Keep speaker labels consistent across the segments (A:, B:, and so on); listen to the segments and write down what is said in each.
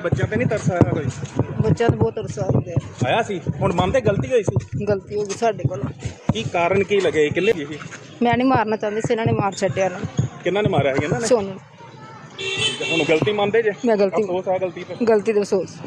A: ਬੱਚਿਆਂ ਤੇ ਨਹੀਂ ਤਰਸ ਆਇਆ ਕੋਈ?
B: ਬੱਚਿਆਂ ਨੂੰ ਬਹੁਤ ਅਰਸਾ ਹੋ ਗਿਆ।
A: ਆਇਆ ਸੀ ਹੁਣ ਮਨ ਤੇ ਗਲਤੀ ਹੋਈ ਸੀ।
B: ਗਲਤੀ ਹੋ ਗਈ ਸਾਡੇ ਕੋਲ।
A: ਕੀ ਕਾਰਨ ਕੀ ਲੱਗੇ ਕਿੰਨੇ ਸੀ?
B: ਮੈਂ ਨਹੀਂ ਮਾਰਨਾ ਚਾਹੁੰਦੀ ਸੀ, ਇਹਨਾਂ ਨੇ ਮਾਰ ਛੱਡਿਆ ਇਹਨਾਂ ਨੂੰ।
A: ਕਿੰਨਾਂ ਨੇ ਮਾਰਿਆ ਸੀ ਇਹਨਾਂ ਨੇ?
B: ਸੋਨੂੰ।
A: ਹੁਣ ਗਲਤੀ ਮੰਨਦੇ ਜੇ?
B: ਮੈਂ ਗਲਤੀ
A: ਅਫਸੋਸ ਆ ਗਲਤੀ ਤੇ?
B: ਗਲਤੀ ਦਾ ਅਫਸੋਸ।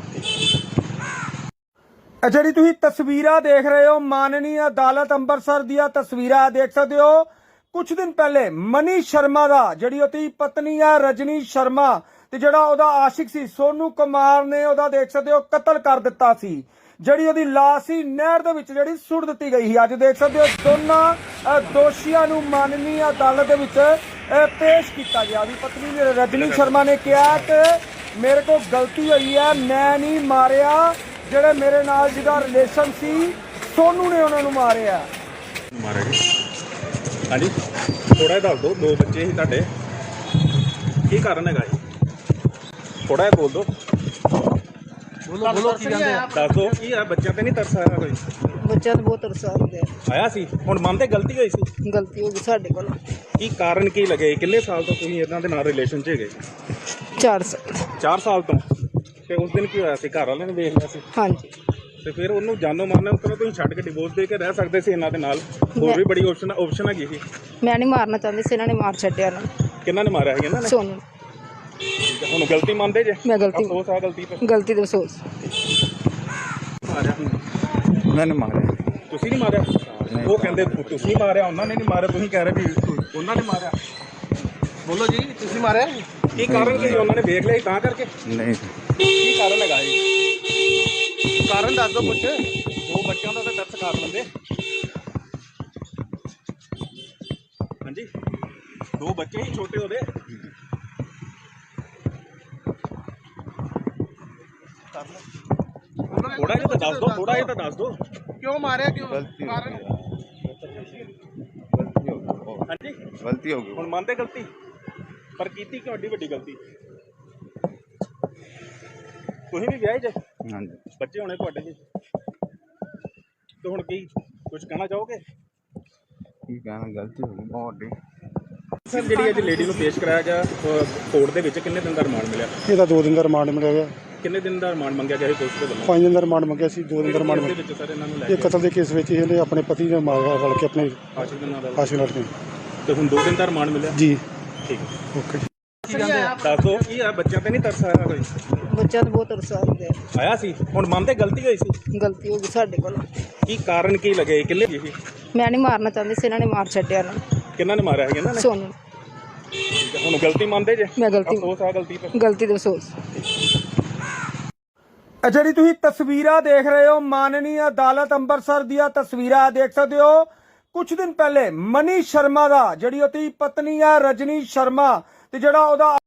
C: ਜਿਹੜੀ ਤੁਸੀਂ ਤਸਵੀਰਾਂ ਦੇਖ ਰਹੇ ਹੋ ਮਾਨਨੀ ਅਦਾਲਤ ਅੰਮ੍ਰਿਤਸਰ ਦੀਆਂ ਤਸਵੀਰਾਂ ਦੇਖ ਸਕਦੇ ਹੋ। ਕੁਝ ਦਿਨ ਪਹਿਲੇ ਮਨੀ ਸ਼ਰਮਾ ਦਾ ਜਿਹੜੀ ਉਹਦੀ ਪਤਨੀ ਆ ਰਜਨੀ ਸ਼ਰਮਾ ਤੇ ਜਿਹੜਾ ਉਹਦਾ ਆਸ਼ਿਕ ਸੀ ਸੋਨੂ ਕੁਮਾਰ ਨੇ ਉਹਦਾ ਦੇਖ ਸਕਦੇ ਹੋ ਕਤਲ ਕਰ ਦਿੱਤਾ ਸੀ। ਜਿਹੜੀ ਉਹਦੀ ਲਾਸ਼ ਸੀ ਨਹਿਰ ਦੇ ਵਿੱਚ ਜਿਹੜੀ ਸੁੱਟ ਦਿੱਤੀ ਗਈ ਸੀ। ਅੱਜ ਦੇਖ ਸਕਦੇ ਹੋ ਦੋਨਾਂ ਦੋਸ਼ੀਆਂ ਨੂੰ ਮਾਨਨੀ ਅਦਾਲਤ ਦੇ ਵਿੱਚ ਪੇਸ਼ ਕੀਤਾ ਗਿਆ। ਉਹਦੀ ਪਤਨੀ ਰਜਨੀ ਸ਼ਰਮਾ ਨੇ ਕਿਹਾ ਕਿ ਮੇਰੇ ਕੋਲ ਗਲਤੀ ਹੋਈ ਹੈ, ਮੈਂ ਨਹੀਂ ਮਾਰਿਆ, ਜਿਹੜੇ ਮੇਰੇ ਨਾਲ ਜਿਹਦਾ ਰਿਲੇਸ਼ਨ ਸੀ ਸੋਨੂ ਨੇ ਉਹਨਾਂ ਨੂੰ ਮਾਰਿਆ।
A: ਮਾਰਿਆ ਜੀ? ਹਾਂਜੀ ਥੋੜਾ ਜਿਹਾ ਦੱਸ ਦਿਓ। ਦੋ ਬੱਚੇ ਸੀ ਤੁਹਾਡੇ, ਕੀ ਕਾਰਨ ਹੈਗਾ ਜੀ? ਥੋੜਾ ਜਿਹਾ ਬੋਲ ਦਿਓ।
C: ਬੋਲੋ ਕੀ ਕਹਿੰਦੇ ਆ?
A: ਦੱਸ ਦਿਓ ਕੀ ਆ, ਬੱਚਿਆਂ ਤੇ ਨਹੀਂ ਤਰਸ ਆਇਆ ਕੋਈ?
B: ਬੱਚਿਆਂ ਨੂੰ ਬਹੁਤ ਅਰਸਾ ਹੋ ਗਿਆ।
A: ਆਇਆ ਸੀ ਹੁਣ ਮਨ ਤੇ ਗਲਤੀ ਹੋਈ ਸੀ।
B: ਗਲਤੀ ਹੋ ਗਈ ਸਾਡੇ ਕੋਲ।
A: ਕੀ ਕਾਰਨ ਕੀ ਲੱਗੇ? ਕਿੰਨੇ ਸਾਲ ਤੋਂ ਤੁਸੀਂ ਇਹਨਾਂ ਦੇ ਨਾਲ ਰਿਲੇਸ਼ਨ 'ਚ ਹੈਗੇ?
B: 4 ਸਾਲ।
A: 4 ਸਾਲ ਤੋਂ। ਤੇ ਉਸ ਦਿਨ ਕੀ ਹੋਇਆ ਸੀ? ਘਰ ਵਾਲਿਆਂ ਨੇ ਵੇਖ ਲਿਆ ਸੀ
B: ਹਾਂਜੀ।
A: ਤੇ ਫਿਰ ਉਹਨੂੰ ਜਾਨੋਂ ਮਾਰਨਾ ਉਸ ਤਰ੍ਹਾਂ ਤੁਸੀਂ ਛੱਡ ਕੇ ਡਿਵੋਰਸ ਦੇ ਕੇ ਰਹਿ ਸਕਦੇ ਸੀ ਇਹਨਾਂ ਦੇ ਨਾਲ। ਹੋਰ ਵੀ ਬੜੀ ਆਪਸ਼ਨ ਹੈਗੀ ਸੀ।
B: ਮੈਂ ਨਹੀਂ ਮਾਰਨਾ ਚਾਹੁੰਦੀ ਸੀ, ਇਹਨਾਂ ਨੇ ਮਾਰ ਛੱਡਿਆ ਇਹਨਾਂ ਨੂੰ।
A: ਕਿੰਨਾਂ ਨੇ ਮਾਰਿਆ ਸੀ ਇਹਨਾਂ ਨੇ?
B: ਸੋਨੂੰ।
A: ਹੁਣ ਗਲਤੀ ਮੰਨਦੇ ਜੇ?
B: ਮੈਂ ਗਲਤੀ
A: ਅਫਸੋਸ ਆ ਗਲਤੀ ਤੇ?
B: ਗਲਤੀ ਦਾ ਅਫਸੋਸ।
A: ਮਾਰਿਆ
D: ਮੈਂ ਨਹੀਂ ਮਾਰਿਆ।
A: ਤੁਸੀਂ ਨਹੀਂ ਮਾਰਿਆ? ਉਹ ਕਹਿੰਦੇ ਤੁਸੀਂ ਮਾਰਿਆ, ਉਹਨਾਂ ਨੇ ਨਹੀਂ ਮਾਰਿਆ। ਤੁਸੀਂ ਕਹਿ ਰਹੇ ਵੀ ਉਹਨਾਂ ਨੇ ਮਾਰਿਆ। ਬੋਲੋ ਜੀ, ਤੁਸੀਂ ਮਾਰਿਆ? ਕੀ ਕਾਰਨ ਕੀ? ਉਹਨਾਂ ਨੇ ਵੇਖ ਲਿਆ ਸੀ ਤਾਂ ਕਰਕੇ?
D: ਨਹੀਂ
A: ਕੀ ਕਾਰਨ ਹੈਗਾ ਜੀ? ਕਾਰਨ ਦੱਸ ਦਿਓ ਕੁਛ। ਦੋ ਬੱਚਿਆਂ ਦਾ ਤਾਂ ਦਰਦ ਕਰ ਲੈਂਦੇ। ਹਾਂਜੀ ਦੋ ਬੱਚੇ ਹੀ ਛੋਟੇ ਉਹਦੇ। ਥੋੜਾ ਜਿਹਾ ਤਾਂ ਦੱਸ ਦਿਓ, ਥੋੜਾ ਜਿਹਾ ਤਾਂ ਦੱਸ ਦਿਓ। ਕਿਉਂ ਮਾਰਿਆ? ਕਿਉਂ? ਕਾਰਨ? ਹਾਂਜੀ
D: ਗਲਤੀ ਹੋ ਗਈ।
A: ਹੁਣ ਮੰਨਦੇ ਗਲਤੀ, ਪਰ ਕੀਤੀ ਕਿਉਂ? ਏਡੀ ਵੱਡੀ ਗਲਤੀ। ਤੁਸੀਂ ਵੀ ਵਿਆਹੇ ਜੇ?
D: ਹਾਂਜੀ
A: ਬੱਚੇ ਹੋਣੇ ਤੁਹਾਡੇ ਜੀ। ਤੇ ਹੁਣ ਕੀ ਕੁਝ ਕਹਿਣਾ ਚਾਹੋਗੇ?
D: ਕੀ ਕਹਿਣਾ, ਗਲਤੀ ਹੋ ਗਈ ਬਹੁਤ ਵੱਡੀ।
A: ਸਰ ਜਿਹੜੀ ਅੱਜ ਲੇਡੀ ਨੂੰ ਪੇਸ਼ ਕਰਾਇਆ ਗਿਆ ਕੋਰਟ ਦੇ ਵਿੱਚ, ਕਿੰਨੇ ਦਿਨ ਦਾ ਰਿਮਾਂਡ ਮਿਲਿਆ?
C: ਇਹਦਾ 2 ਦਿਨ ਦਾ ਰਿਮਾਂਡ ਮਿਲਿਆ ਗਿਆ।
A: ਕਿੰਨੇ ਦਿਨ ਦਾ ਰਿਮਾਂਡ ਮੰਗਿਆ ਗਿਆ ਸੀ ਪੁਲਿਸ ਦੇ ਵੱਲੋਂ?
C: 5 ਦਿਨ ਦਾ ਰਿਮਾਂਡ ਮੰਗਿਆ ਸੀ, 2 ਦਿਨ ਦਾ ਰਿਮਾਂਡ
A: ਦੇ
C: ਮਿਲਿਆ।
A: ਵਿੱਚ ਸਰ ਇਹਨਾਂ ਨੂੰ ਲੈ
C: ਇਹ
A: ਕੇ
C: ਕਤਲ ਦੇ ਕੇਸ ਵਿੱਚ ਇਹਨੇ ਆਪਣੇ ਪਤੀ ਨੇ ਮਾਰਿਆ ਰਲ ਕੇ ਆਪਣੇ
A: ਆਸ਼ਿਕ ਦੇ ਨਾਲ
C: ਆਸ਼ਿਕ ਨਾਲ ਨੇ।
A: ਤੇ ਹੁਣ 2 ਦਿਨ ਦਾ ਰਿਮਾਂਡ ਮਿਲਿਆ?
C: ਜੀ
A: ਠੀਕ।
C: ਓਕੇ।
A: ਦੱਸ ਦਿਓ ਕੀ ਆ, ਬੱਚਿਆਂ ਤੇ ਨਹੀਂ ਤਰਸ ਆਇਆ ਕੋਈ?
B: ਬੱਚਿਆਂ ਨੂੰ ਬਹੁਤ ਅਰਸਾ ਹੋ ਗਿਆ।
A: ਆਇਆ ਸੀ ਹੁਣ ਮਨ ਤੇ ਗਲਤੀ ਹੋਈ ਸੀ।
B: ਗਲਤੀ ਹੋ ਗਈ ਸਾਡੇ ਕੋਲ।
A: ਕੀ ਕਾਰਨ ਕੀ ਲੱਗੇ ਕਿੰਨੇ ਸੀ?
B: ਮੈਂ ਨਹੀਂ ਮਾਰਨਾ ਚਾਹੁੰਦੀ ਸੀ, ਇਹਨਾਂ ਨੇ ਮਾਰ ਛੱਡਿਆ ਇਹਨਾਂ ਨੂੰ।
A: ਕਿੰਨਾਂ ਨੇ ਮਾਰਿਆ ਸੀ ਇਹਨਾਂ ਨੇ?
B: ਸੋਨੂੰ।
A: ਹੁਣ ਗਲਤੀ ਮੰਨਦੇ ਜੇ?
B: ਮੈਂ ਗਲਤੀ
A: ਅਫਸੋਸ ਆ ਗਲਤੀ ਤੇ?
B: ਗਲਤੀ ਦਾ ਅਫਸੋਸ।
C: ਜਿਹੜੀ ਤੁਸੀਂ ਤਸਵੀਰਾਂ ਦੇਖ ਰਹੇ ਹੋ ਮਾਨਨੀ ਅਦਾਲਤ ਅੰਮ੍ਰਿਤਸਰ ਦੀਆਂ ਤਸਵੀਰਾਂ ਦੇਖ ਸਕਦੇ ਹੋ। ਕੁਝ ਦਿਨ ਪਹਿਲੇ ਮਨੀ ਸ਼ਰਮਾ ਦਾ ਜਿਹੜੀ ਉਹਦੀ ਪਤਨੀ ਆ ਰਜਨੀ ਸ਼ਰਮਾ ਤੇ ਜਿਹੜਾ ਉਹਦਾ